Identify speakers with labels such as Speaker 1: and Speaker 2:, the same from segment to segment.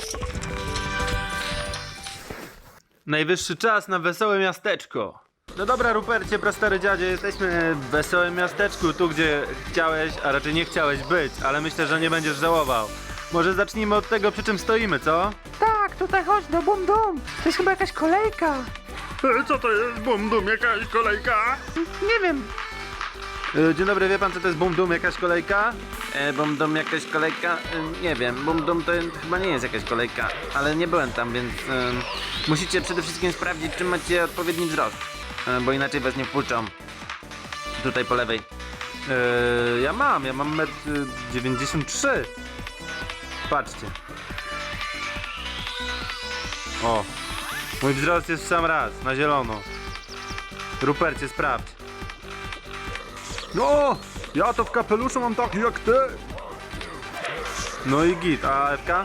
Speaker 1: Najwyższy czas na wesołe miasteczko. No dobra, Rupercie, prastary dziadzie, jesteśmy w wesołym miasteczku, tu gdzie chciałeś, a raczej nie chciałeś być, ale myślę, że nie będziesz żałował. Może zacznijmy od tego, przy czym stoimy, co?
Speaker 2: Tak, tutaj chodź do Bum Dum. To jest chyba jakaś kolejka.
Speaker 1: Co to jest Bum Dum, jakaś kolejka?
Speaker 2: Nie wiem.
Speaker 1: Dzień dobry, wie pan co to jest Bum Dum, jakaś kolejka? Bum Dum, jakaś kolejka? Nie wiem, Bum Dum to chyba nie jest jakaś kolejka, ale nie byłem tam, więc musicie przede wszystkim sprawdzić, czy macie odpowiedni wzrost, bo inaczej was nie wpuszczą. Tutaj po lewej. Ja mam 1,93 m. Patrzcie. O, mój wzrost jest w sam raz, na zielono. Rupercie, sprawdź. No, ja to w kapeluszu mam taki jak ty. No i git, a Ewka?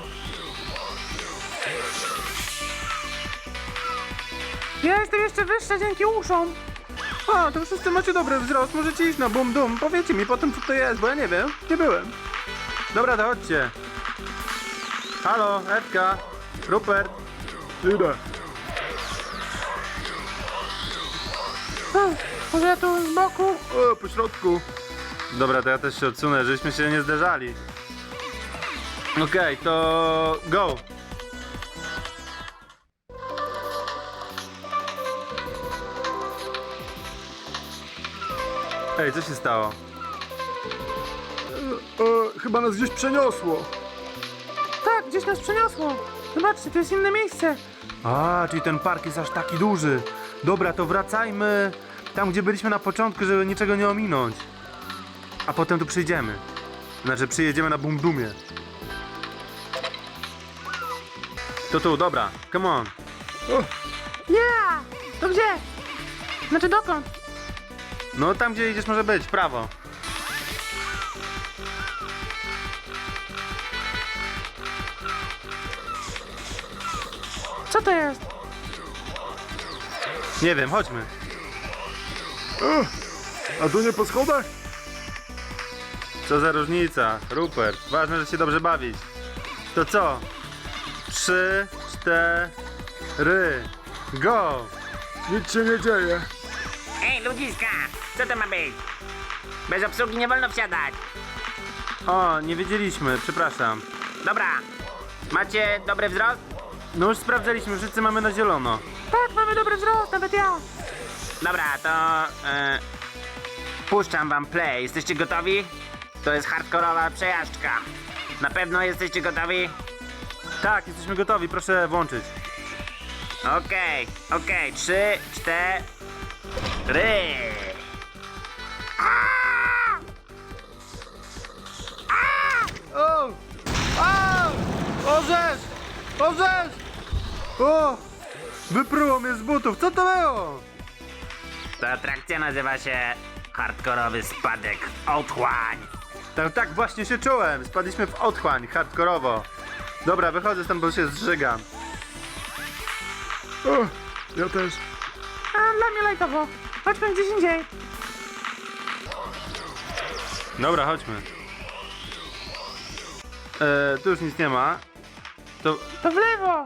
Speaker 2: Ja jestem jeszcze wyższa dzięki uszom.
Speaker 1: A, to wszyscy macie dobry wzrost, możecie iść na Bum Dum. Powiedzcie mi potem co to jest, bo ja nie wiem, nie byłem. Dobra, to chodźcie. Halo, Ewka, Rupert. Idę.
Speaker 2: Może ja tu z boku?
Speaker 1: O, po środku. Dobra, to ja też się odsunę, żeśmy się nie zderzali. Okej, to go. Ej, co się stało? Chyba nas gdzieś przeniosło.
Speaker 2: Tak, gdzieś nas przeniosło. Zobaczcie, to jest inne miejsce.
Speaker 1: A, czyli ten park jest aż taki duży. Dobra, to wracajmy tam, gdzie byliśmy na początku, żeby niczego nie ominąć. A potem tu przyjdziemy. Znaczy, przyjedziemy na Bum Dumie. To tu, dobra, come on.
Speaker 2: Yeah! To gdzie? Znaczy dokąd?
Speaker 1: No tam, gdzie idziesz, może być, w prawo.
Speaker 2: Co to jest?
Speaker 1: Nie wiem, chodźmy.
Speaker 3: A tu nie po schodach?
Speaker 1: Co za różnica, Rupert. Ważne, że się dobrze bawić. To co? 3, 4, go!
Speaker 3: Nic się nie dzieje.
Speaker 4: Ej, ludziska! Co to ma być? Bez obsługi nie wolno wsiadać.
Speaker 1: O, nie wiedzieliśmy, przepraszam.
Speaker 4: Dobra. Macie dobry wzrost?
Speaker 1: No już sprawdzaliśmy, wszyscy mamy na zielono.
Speaker 2: Tak, mamy dobry wzrost, nawet ja.
Speaker 4: Dobra, to... puszczam wam play. Jesteście gotowi? To jest hardkorowa przejażdżka. Na pewno jesteście gotowi?
Speaker 1: Tak, jesteśmy gotowi, proszę włączyć.
Speaker 4: Okej, 3, 4...
Speaker 1: O! A! Orzesz! Orzesz! O! Wypruło mnie z butów, co to było?
Speaker 4: Ta atrakcja nazywa się hardkorowy spadek w otchłań.
Speaker 1: Tak właśnie się czułem, spadliśmy w otchłań, hardkorowo. Dobra, wychodzę stąd, bo się zżygam.
Speaker 3: O, ja też.
Speaker 2: A dla mnie lajtowo. Chodźmy gdzieś indziej.
Speaker 1: Dobra, chodźmy. Tu już nic nie ma. To...
Speaker 2: To w lewo.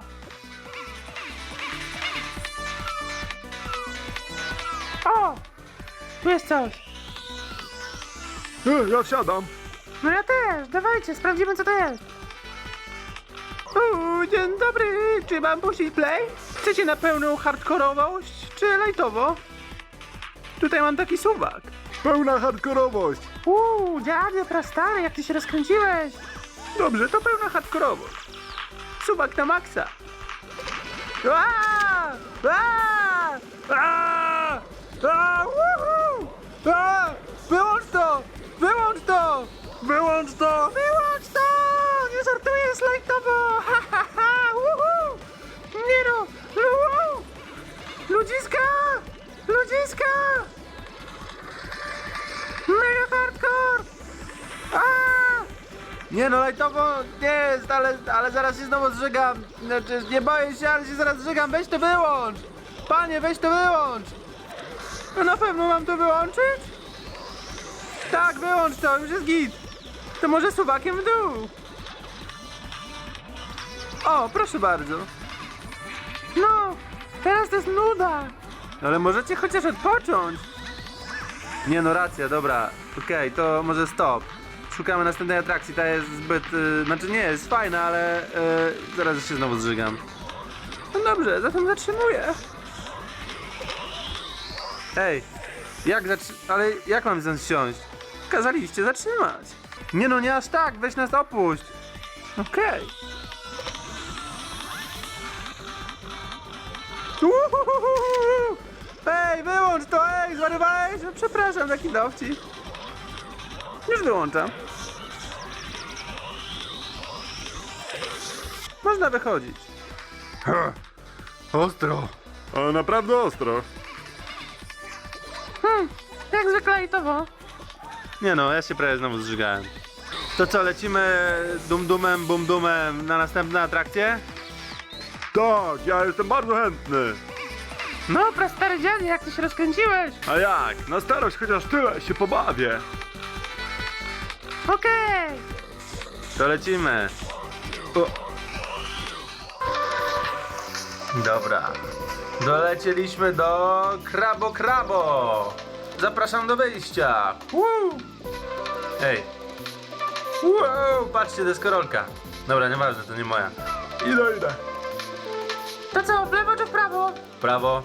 Speaker 2: O! Tu jest coś.
Speaker 3: Ja wsiadam.
Speaker 2: No ja też. Dawajcie, sprawdzimy co to jest. Dzień dobry. Czy mam puścić play? Chcecie na pełną hardkorowość, czy lajtowo? Tutaj mam taki suwak.
Speaker 3: Pełna hardkorowość.
Speaker 2: Dziadzie prastary, jak ty się rozkręciłeś. Dobrze, to pełna hardkorowość. Suwak na maksa. Aaa! Aaa! Aaa! Aaa! Woohoo! Aaa! Wyłącz to! Wyłącz to!
Speaker 3: Wyłącz to!
Speaker 2: Wyłącz to! Nie żartuję, jest lajtowo! Ha, ha, ha! Woohoo! Nie no! Woohoo! Ludziska! Ludziska! Mega hardcore! Aaa!
Speaker 1: Nie no, lajtowo nie jest, ale zaraz się znowu zżygam. Znaczy, nie boję się, ale się zaraz zżygam. Weź to wyłącz! Panie, weź to wyłącz!
Speaker 2: No na pewno mam to wyłączyć? Tak, wyłącz to, już jest git. To może suwakiem w dół.
Speaker 1: O, proszę bardzo.
Speaker 2: No, teraz to jest nuda.
Speaker 1: Ale możecie chociaż odpocząć. Nie no, racja, dobra. Okej, to może stop. Szukamy następnej atrakcji, ta jest zbyt... znaczy nie, jest fajna, ale zaraz się znowu zżygam.
Speaker 2: No dobrze, zatem zatrzymuję.
Speaker 1: Ej, ale jak mam stąd siąść? Kazaliście zatrzymać. Nie no, nie aż tak, weź nas opuść.
Speaker 2: Okej.
Speaker 1: Uhuhuhuhu. Ej, wyłącz to, ej, zwariowałeś? No przepraszam, taki dowcip. Już wyłączam. Można wychodzić.
Speaker 3: Ha, ostro. Ale naprawdę ostro.
Speaker 2: Jak zwykle lajtowo.
Speaker 1: Nie no, ja się prawie znowu zżygałem. To co, lecimy dum-dumem, bum-dumem na następne atrakcje?
Speaker 3: Tak, ja jestem bardzo chętny.
Speaker 2: No, prastary dziadzie, jak ty się rozkręciłeś.
Speaker 3: A jak? Na starość chociaż tyle się pobawię.
Speaker 2: Okej.
Speaker 1: To lecimy. O. Dobra. Dolecieliśmy do Krabo. Zapraszam do wyjścia. Woo! Ej. Wow, patrzcie, deskorolka. Dobra, nieważne, to nie moja.
Speaker 3: Idę.
Speaker 2: To co, w lewo czy w prawo?
Speaker 1: Prawo.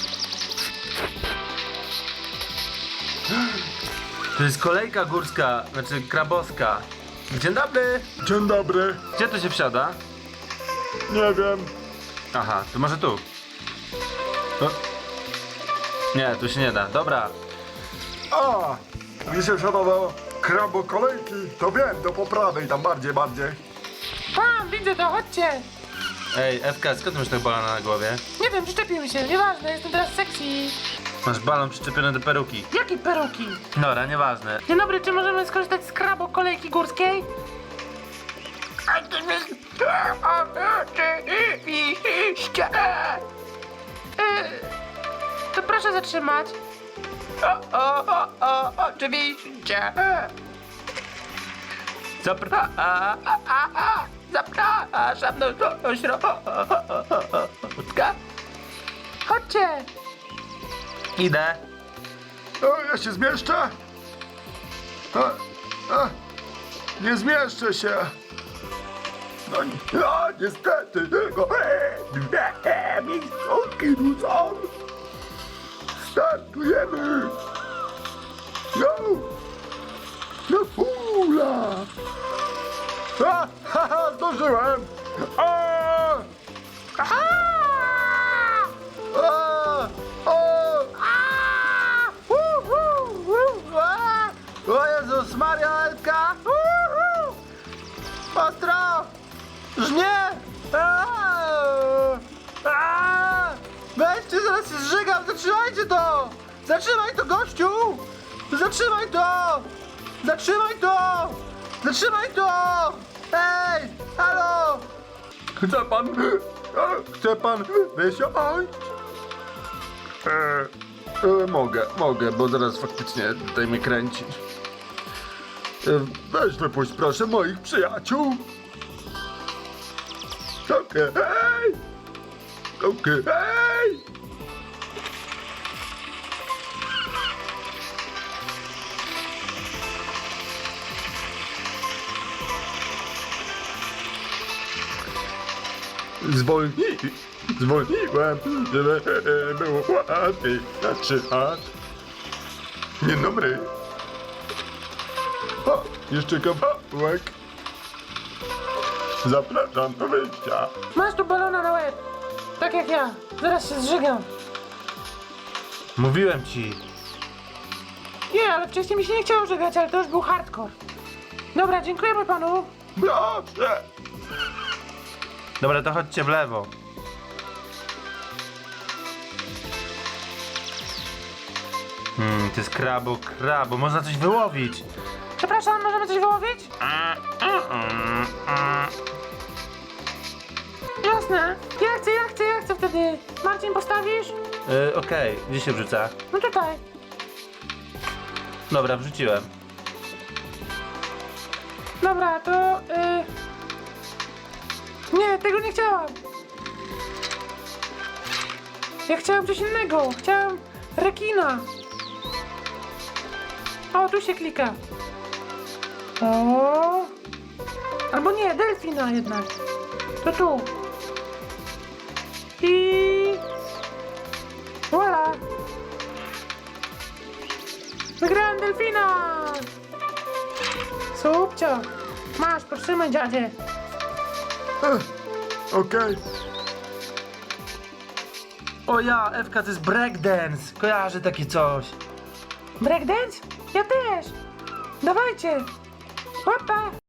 Speaker 1: To jest kolejka górska, znaczy krabowska. Dzień dobry.
Speaker 3: Dzień dobry.
Speaker 1: Gdzie tu się wsiada?
Speaker 3: Nie wiem.
Speaker 1: Aha, to może tu. O. Nie, tu się nie da. Dobra.
Speaker 3: A, gdzie się wsiadało krabo kolejki, to wiem, to po prawej, tam bardziej.
Speaker 2: Tam, widzę to, chodźcie.
Speaker 1: Ej, Ewka, skąd ty masz tego balona na głowie?
Speaker 2: Nie wiem, przyczepił mi się, nieważne, jestem teraz sexy.
Speaker 1: Masz balon przyczepiony do peruki.
Speaker 2: Jakie peruki?
Speaker 1: Dobra, nieważne.
Speaker 2: Dzień dobry, czy możemy skorzystać z krabo kolejki górskiej? To proszę zatrzymać.
Speaker 5: Oczywiście. Zapraszam do środka.
Speaker 2: Chodźcie.
Speaker 1: Idę.
Speaker 3: O, ja się zmieszczę? Nie zmieszczę się. No, niestety, tylko dwie miejscówki tu są. Startujemy. No hula. Zdążyłem.
Speaker 1: O Jezus Maria, Elka! Ostro! Żnie! Weźcie, zaraz się zżygam! Zatrzymajcie to! Zatrzymaj to, gościu! Zatrzymaj to! Zatrzymaj to! Zatrzymaj to! Ej! Halo!
Speaker 3: Chce pan wysiąść?
Speaker 1: Mogę, bo zaraz faktycznie tutaj mnie kręci.
Speaker 3: Weź wypuść proszę moich przyjaciół. Okej. Zwolniłem, żeby było łatwiej zatrzymać. Dzień dobry. O, jeszcze kawałek. Zapraszam do wyjścia.
Speaker 2: Masz tu balona na łeb. Tak jak ja. Zaraz się zżygam.
Speaker 1: Mówiłem ci.
Speaker 2: Nie, ale wcześniej mi się nie chciało żygać, ale to już był hardcore. Dobra, dziękujemy panu.
Speaker 3: Dobrze.
Speaker 1: Dobra, to chodźcie w lewo. To jest krabo. Można coś wyłowić.
Speaker 2: Przepraszam, możemy coś wyłowić? Jasne. Ja chcę wtedy. Marcin, postawisz?
Speaker 1: Okej, gdzie się wrzuca?
Speaker 2: No tutaj.
Speaker 1: Dobra, wrzuciłem.
Speaker 2: Dobra, to... Nie, tego nie chciałam. Ja chciałam coś innego. Chciałam rekina. O, tu się klika. O. Albo nie, delfina jednak. To tu. I... Voila. Wygrałem delfina. Subcio. Masz, potrzymaj dziadzie.
Speaker 3: Okej.
Speaker 1: O ja, Ewka, to jest breakdance. Kojarzę takie coś.
Speaker 2: Breakdance? Ja też. Dawajcie. Hopa.